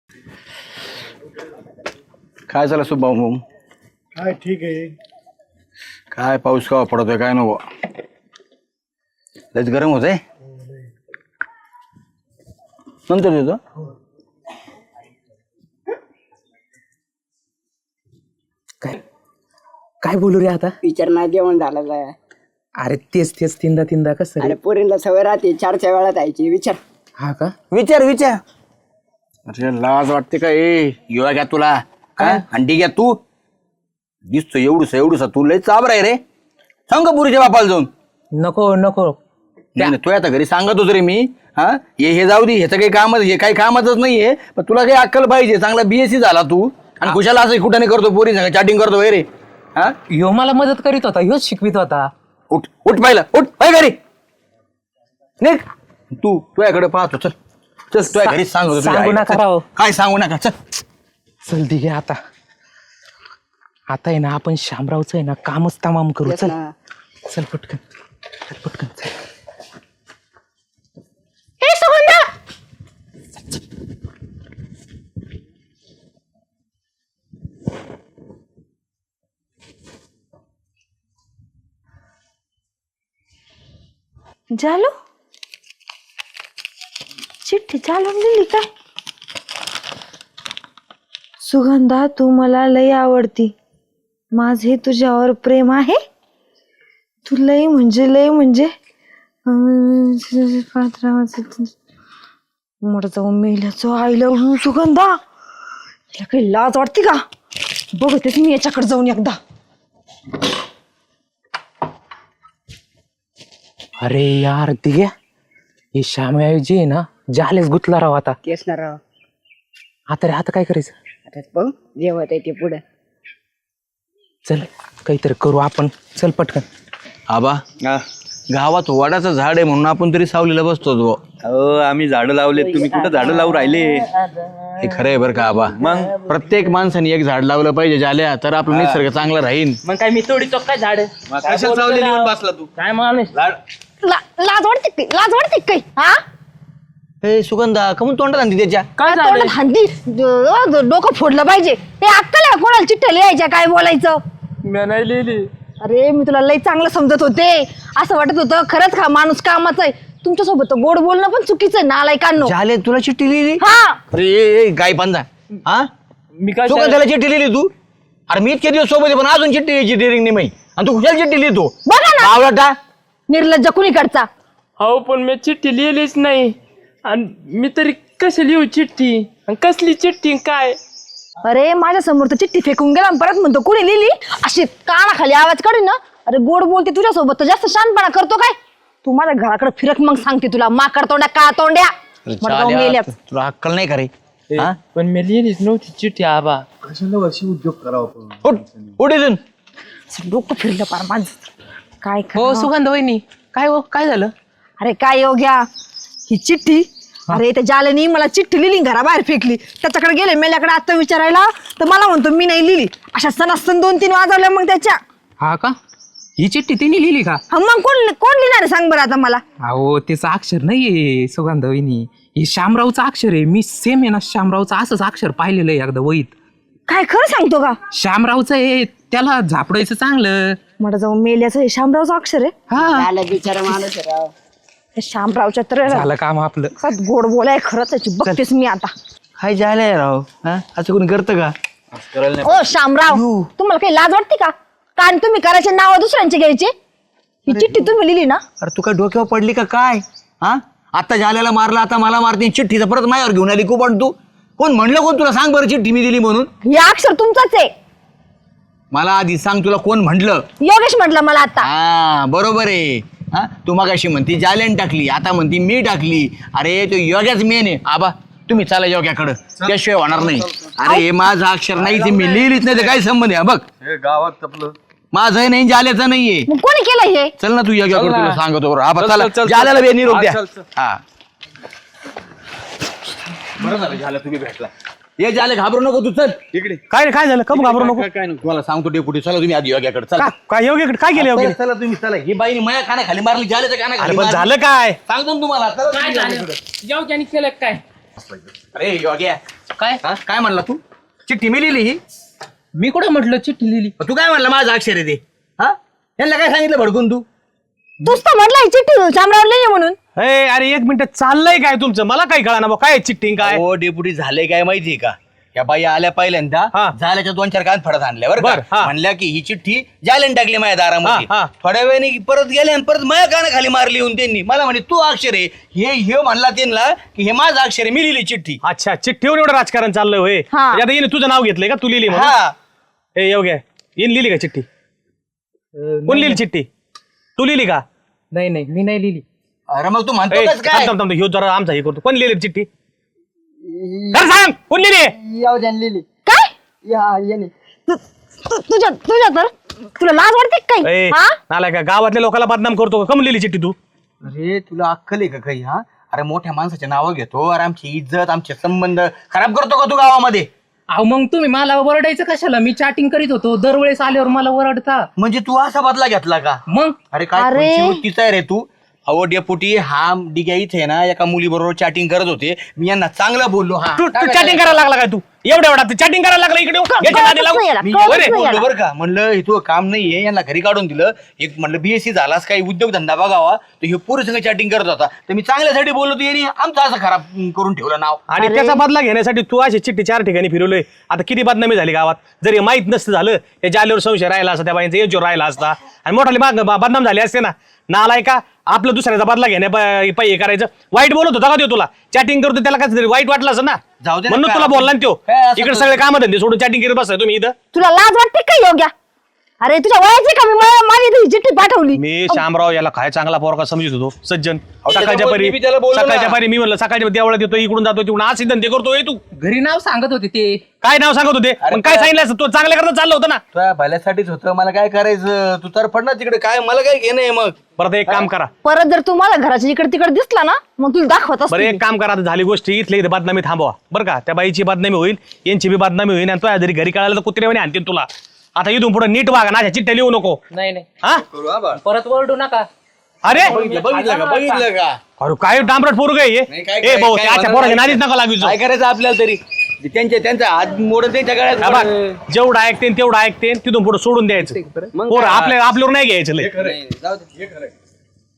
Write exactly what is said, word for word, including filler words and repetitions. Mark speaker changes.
Speaker 1: काय झालं सुभाऊ?
Speaker 2: काय ठीक आहे.
Speaker 1: काय पाऊस का पडतोय काय नको, लयच गरम होत आहे. नंतर येतो.
Speaker 3: काय काय बोलू रे आता?
Speaker 4: विचार नाही जेवण झालं आहे.
Speaker 3: अरे तेच तेच तीनदा तीनदा कसं
Speaker 4: अरे
Speaker 3: रे?
Speaker 4: पोरींला सवय राहते चारच्या वेळात यायची. विचार
Speaker 3: हा का?
Speaker 1: विचार विचार. अरे लाज वाटते का? ए युवा घ्या तुला काय अंडी घ्या तू. दिसतो एवढूस एवढूसा तू लय चाबर आहे रे. सांग पुरीच्या बापाला जाऊन.
Speaker 3: नको नको
Speaker 1: नाही तू आता घरी सांगत होतो रे मी. हा हे हे जाऊ दे, ह्याचं काही कामच हे काही कामाचंच नाहीये. पण तुला काही अक्कल पाहिजे. चांगला बीएससी झाला तू आणि कुशाला असं कुठं नाही करतो, पोरी सांग चॅटिंग करतो रे. हा
Speaker 3: ह्यो मला मदत करीत होता, ह्योच शिकवित होता.
Speaker 1: उठ उठ पाहिलं उठ पाय घरी निघ. तू तुझ्याकडे पाहतो. चल चल तुझ्या घरी सांगतो तुझ्या
Speaker 3: सांगू
Speaker 1: आईला.
Speaker 3: नका
Speaker 1: चल.
Speaker 3: राव.
Speaker 1: काय सांगू नका. चल
Speaker 3: चल दे घे आता. आता आहे ना आपण शामरावचं आहे ना कामच तमाम करू.
Speaker 4: तेच
Speaker 3: चल
Speaker 4: ना.
Speaker 3: चल पटकन चल पटकन चल.
Speaker 5: ए सुगंधा, जालू चिठ्ठी चालून दिली काय? सुगंधा, तू मला लय आवडती. माझे तुझ्यावर प्रेम आहे. तू लय म्हणजे लय म्हणजे मोठं जाऊन मेल्याचं आईला सुगंधा. याला काही लाज वाटते का? बघतेच मी याच्याकडे जाऊन एकदा.
Speaker 3: अरे यार दिग्या, हे श्यामऐवजी आहे ना जालेच गुतला राव आता.
Speaker 4: तेच ना राव.
Speaker 3: आता रे आता काय करायचं?
Speaker 4: आता बघ जेवत आहे ते पुढे.
Speaker 3: चल काहीतरी करू आपण. चल पटकन.
Speaker 1: आबा गावात वडाचं झाड आहे म्हणून आपण तरी सावलीला बसतो.
Speaker 6: अहो आम्ही झाडं लावले, तुम्ही कुठं झाडं लावून राहिले?
Speaker 1: हे खरं आहे बरं का आबा? मग प्रत्येक माणसाने एक झाड लावलं पाहिजे झाल्या तर आपलं निसर्ग चांगला राहील.
Speaker 3: मग काय मी तोडी तो काय झाड?
Speaker 6: कशाला सावलीला येऊन बसला तू?
Speaker 3: काय माणूस?
Speaker 5: ला- लाज वाटते काही लाज वाटते काही हा
Speaker 1: हे सुगंधा कमून तोंडात आणते त्याच्या?
Speaker 3: काय
Speaker 5: काय तोंडात हंदी ड- ड- डोकं फोडलं पाहिजे. हे अक्कल आहे का कोणाला चिठ्ठ्या लिहायच्या काय बोलायचं?
Speaker 3: मी नाही लिहिली.
Speaker 5: अरे मी तुला लई चांगलं समजत होते. असं वाटत होतं खरंच हा माणूस कामाचा आहे. तुमच्यासोबत तर गोड बोलणं पण चुकीचं आहे नालायकांनो.
Speaker 1: झाले तुला चिठ्ठी लिहिली?
Speaker 5: हा
Speaker 1: अरे ए, ए, गाय पंजा हा
Speaker 3: मी काय
Speaker 1: सुगंधाला चिठ्ठी लिहिली तू? अरे मी इतके दिवस सोबत आहे पण अजून चिठ्ठी लिहायची डेअरिंग नाही माही आणि तू कुशाला चिठ्ठी लिहितो?
Speaker 5: बघा ना
Speaker 1: आवडता
Speaker 5: निर्लज्ज कुणीकडचा.
Speaker 7: हो पण मी चिठ्ठी लिहिलीच नाही. आणि मी तरी कशी लिहू चिठ्ठी? आणि कसली चिठ्ठी काय?
Speaker 5: अरे माझ्या समोर तर चिठ्ठी फेकून गेला आणि परत म्हणतो कुणी लिहिली. अशी कानाखाली आवाज काढून ना. अरे गोड बोलते तुझ्यासोबत तर जास्त शानपणा करतो काय? तू माझ्या घराकडे फिरक मग सांगते तुला माकड तोंड्या का तोंड्या. मला जाऊन मेल्यात.
Speaker 1: तुला अक्कल नाही का रे? हा?
Speaker 7: पण मी लिहिलीच नव्हती चिठ्ठी आबा.
Speaker 2: कशाला अशी उद्योग करावा आपण?
Speaker 1: उठ उठ इथून.
Speaker 5: डोकं फिरलं पार माझं. काय
Speaker 3: हो
Speaker 5: खरं?
Speaker 3: सुगंध वहिनी काय हो काय झालं?
Speaker 5: अरे काय योग्या ही चिठ्ठी. अरे त्या जालेनी मला चिठ्ठी लिहिली घराबाहेर फेकली. त्याच्याकडे गेले मेल्याकडे आता विचारायला तर मला म्हणतो मी नाही लिहिली. अशा सणासण दोन तीन वाजवल्या मग त्याच्या.
Speaker 3: हा का? ही चिठ्ठी तिने लिहिली का?
Speaker 5: हा मग कोण कोण लिहिणार आहे सांग बरं आता मला.
Speaker 3: अहो त्याचं अक्षर नाहीये सुगंध वहिनी, हे शामरावचं अक्षर आहे. मी सेम आहे ना शामरावचं असंच अक्षर पाहिलेलं आहे एकदा वहीत.
Speaker 5: काय खरं सांगतो का?
Speaker 3: शामरावचं आहे, त्याला झापडायचं चांगलं.
Speaker 5: मला जाऊन मेल्याचं हे शामरावचं अक्षर आहे.
Speaker 3: हा
Speaker 4: झालं बिचारा माणूस आहे राव.
Speaker 5: हे शामरावच्या तर
Speaker 3: झालं काम आपलं.
Speaker 5: खरंच गोड बोलाय खरंच त्याची बघतेस मी आता.
Speaker 1: काय झालंय राव? हा असं कोणी करतं का?
Speaker 5: ओ शामराव, तुम्हाला काही लाज वाटते का? कारण तुम्ही करायचे नाव दुसऱ्यांचे घ्यायचे. ही चिठ्ठी तुम्ही लिहिली ना?
Speaker 1: अरे तू काय डोक्यावर पडली का काय? हा आता झाल्याला मारला आता मला मारते. चिठ्ठीचा परत माझ्यावर घेऊन आली खूप. तू कोण म्हणलं कोण तुला? सांग बरं चिठ्ठी मी दिली म्हणून.
Speaker 5: हे अक्षर तुमचंच आहे.
Speaker 1: मला आधी सांग तुला कोण म्हटलं?
Speaker 5: योगेश म्हटलं मला आता.
Speaker 1: हा बरोबर आहे. हा तू मगाशी म्हणती जालेन टाकली आता म्हणती मी टाकली. अरे तो योग्याच मेन आहे. आबा तुम्ही चला योग्याकडं त्याशिवाय होणार नाही. अरे हे माझं अक्षर नाही ते मी लिहिलीच नाही. तर काय संबंध आहे? बघ
Speaker 6: हे गावात आपलं
Speaker 1: माझं नाही जाल्याचं नाहीये.
Speaker 5: मग कोणी केलं हे?
Speaker 1: चल ना तू योग्याकडे तुला सांगतो बरं. आबा
Speaker 6: चल,
Speaker 1: चला
Speaker 6: चल, चल,
Speaker 1: जाल्याला बे निरोप
Speaker 6: हा,
Speaker 1: द्या.
Speaker 6: चल, चल.
Speaker 1: हा बरं झालं झालं तुम्ही भेटला. ये जाले घाबरू नको तू. चल
Speaker 6: इकडे
Speaker 2: काय काय झालं? कम घाबरू नको.
Speaker 6: काय काय नको.
Speaker 1: तुम्हाला सांगतो डेपुटी. चला तुम्ही आधी योग्याकडे चला.
Speaker 2: का- काय योग्य काय केलं योग्य?
Speaker 1: चला तुम्ही चला. ही बाईने माया कानाखाली मारली जाल्याच्या
Speaker 2: अरे
Speaker 1: कानाखाली
Speaker 2: पण
Speaker 1: मारली.
Speaker 2: झालं काय?
Speaker 1: सांगतो ना तुम्हाला. चला तुम्ही
Speaker 7: काय
Speaker 1: योग्याकडे.
Speaker 7: झालं? जेव त्याने केलं काय?
Speaker 1: अरे योग्या
Speaker 3: काय
Speaker 1: हा? काय म्हणला तू चिठ्ठी मी लिहिली ही
Speaker 3: मी कुठं म्हटलं चिठ्ठी लिहिली
Speaker 1: तू काय म्हणला माझं अक्षर आहे ते हा यांना काय सांगितलं भडकून तू
Speaker 5: तूच तर म्हटलं ही चिठ्ठी शामरावला लिहिली म्हणून.
Speaker 2: ए, अरे एक मिनिट चाललंय काय तुमचं मला काही कळा ना काय चिट्टिंग काय
Speaker 1: हो डेप्युटी झाले काय माहितीये का या बाई आल्या पहिल्यांदा
Speaker 2: हा.
Speaker 1: झाल्याच्या दोन चार कान फडत आणल्या बरं
Speaker 2: बर,
Speaker 1: का
Speaker 2: हा.
Speaker 1: म्हणल्या की ही चिठ्ठी जालेन टाकली माझ्या दारामध्ये
Speaker 2: हा, हा.
Speaker 1: थोड्या वेळाने परत गेले आणि परत माझ्या कानाखाली मारली येऊन त्यांनी मला म्हणे तू अक्षर आहे हे हे म्हणला त्यांना की हे माझं अक्षर आहे मी लिहिली चिठ्ठी
Speaker 2: अच्छा चिठ्ठीवर एवढं राजकारण चाललंय होय
Speaker 5: हा.
Speaker 2: म्हणजे आता हिने तुझं नाव घेतलंय का तू लिहिली म्हणून
Speaker 1: हा
Speaker 2: ए येऊ घ्या येईन लिहिली का चिठ्ठी कोण लिहिली चिठ्ठी तू लिहिली का
Speaker 3: नाही नाही मी नाही लिहिली.
Speaker 1: अरे मग तू
Speaker 2: ए,
Speaker 1: म्हणतो कसं काय
Speaker 2: थांब, थांब, थांब, ह्यो जरा आमचा हे करतो कोण लिहिली चिठ्ठी खरं सांग कोण लिहिली
Speaker 4: याव द्या लिहिली
Speaker 5: काय
Speaker 4: या येणे
Speaker 5: तु- तु- तुझ्या तुझ्या तर तुला लाज वाटते का
Speaker 2: ए,
Speaker 5: काही हा
Speaker 2: नालाय का गावातल्या लोकांना बदनाम करतो का कम लिहिली चिठ्ठी तू
Speaker 1: अरे तुला अक्कल आहे का काही हा अरे मोठ्या माणसाचे नावं घेतो अरे आमची इज्जत आमचे संबंध खराब करतो का तू गावामध्ये
Speaker 3: अहो मग तुम्ही मला ओरडायचं कशाला मी चॅटिंग करीत होतो दरवेळेस आल्यावर मला ओरडता
Speaker 1: म्हणजे तू असा बदला घेतला का
Speaker 3: मग
Speaker 1: अरे काय
Speaker 5: अरे.
Speaker 1: कोणची वृत्तीचा आहे रे तू अहो डेपुटी हा डिग्या इथे आहे ना एका मुलीबरोबर चॅटिंग करत होते मी यांना चांगलं बोललो हा
Speaker 2: तू तू चॅटिंग करायला लागला काय तू एवढ्या एवढा चॅटिंग करायला लागला इकडे येऊन. याच्या नादी लागू.
Speaker 5: नाही याला,
Speaker 1: मी
Speaker 5: कळतच
Speaker 1: बरं
Speaker 5: नाही
Speaker 1: बोललो
Speaker 5: याला.
Speaker 1: बरं का म्हणलं हे तू काम नाहीये यांना घरी काढून दिलं एक म्हणलं बीएससी झालास काही उद्योगधंदा बघावा तर हे पुरुष संग चॅटिंग करत होता तर मी चांगल्यासाठी बोललो तू यांनी आमचं असं खराब करून ठेवलं नाव
Speaker 2: आणि त्याचा बदला घेण्यासाठी तू अशी चिठ्ठी चार ठिकाणी फिरवलोय आता किती बदनामी झाली गावात जर हे माहित नसतं झालं या जालेवर संशय राहिला असता त्या बाईंचा एजवर राहिला असता आणि मोठाली माग बदनाम झाली असते ना नालाय का आपलं दुसऱ्याचा बदला घेण्या पाहिजे करायचं वाईट बोलत होता का तो तुला चॅटिंग करतो त्याला काय वाईट वाटलं असं ना
Speaker 1: जाऊ दे ना,
Speaker 2: म्हणून
Speaker 1: काय
Speaker 2: तुला
Speaker 1: आपण-
Speaker 2: बोलला ना त्यो
Speaker 1: काय असं
Speaker 2: इकडे
Speaker 1: करतो?
Speaker 2: सगळे काम धंदे सोडून चॅटिंग करत बसताय तुम्ही इथं
Speaker 5: तुला लाज वाटते का योग्या अरे तुझ्या वयाची का मी मला- माझी इथे चिठ्ठी पाठवली
Speaker 2: मी शामराव याला काय चांगला पोरका समजत होतो सज्जन सकाळच्या
Speaker 1: त्याच्यामुळे
Speaker 2: परी
Speaker 1: मी बी त्याला बोललो ना.
Speaker 2: सकाळच्या परी मी म्हणलं सकाळच्या देवळात येतो इकडून जातो तिकडून असे धंदे करतोय तू
Speaker 3: घरी नाव सांगत होते ते
Speaker 2: काय नाव सांगत होते पण काय सांगितलं असतं? तो चांगल्या करता चाललं होतं ना
Speaker 1: तुझ्या भल्यासाठीच होतं मला काय करायचं तू तर पड ना तिकडे काय मला काय घेणं आहे मग
Speaker 2: परत एक काम करा
Speaker 5: परत जर तू माझ्या घराच्या इकडे तिकडे दिसला ना मग तुला दाखवत
Speaker 2: बरं
Speaker 5: असते
Speaker 2: एक काम करा आता झाली गोष्टी इथले इथे बदनामी थांबवा बरं का त्या बाईची बदनामी होईल यांची बी बदनामी होईल आणि तो जरी घरी कळायला तर कुत्र्याने आणतील तुला आता इथून पुढे नीट वागा ना चिठ्ठ्या लिहू नको
Speaker 3: नाही नाही
Speaker 2: हा
Speaker 3: परत ओरडू नका.
Speaker 2: अरे
Speaker 1: बघितलं बघितलं का बघितलं का
Speaker 2: अरे काय डांबरट पोरग
Speaker 1: नाही, काय
Speaker 2: ए
Speaker 1: काय-
Speaker 2: भाऊ
Speaker 1: काय
Speaker 2: त्याच्या
Speaker 1: म्हणा
Speaker 2: पोराच्या
Speaker 1: नाही.
Speaker 2: नादीच नका लागू
Speaker 1: काय करायचं आपल्याला तरी त्यांच्या त्यांचा हात मोडत त्यांच्या गळ्यात
Speaker 2: जेवढं ऐकते तेवढं ऐकते तिथून पुढे सोडून द्यायचं पोरं आपल्या आपल्यावर नाही घ्यायचं लय
Speaker 1: जाऊ दे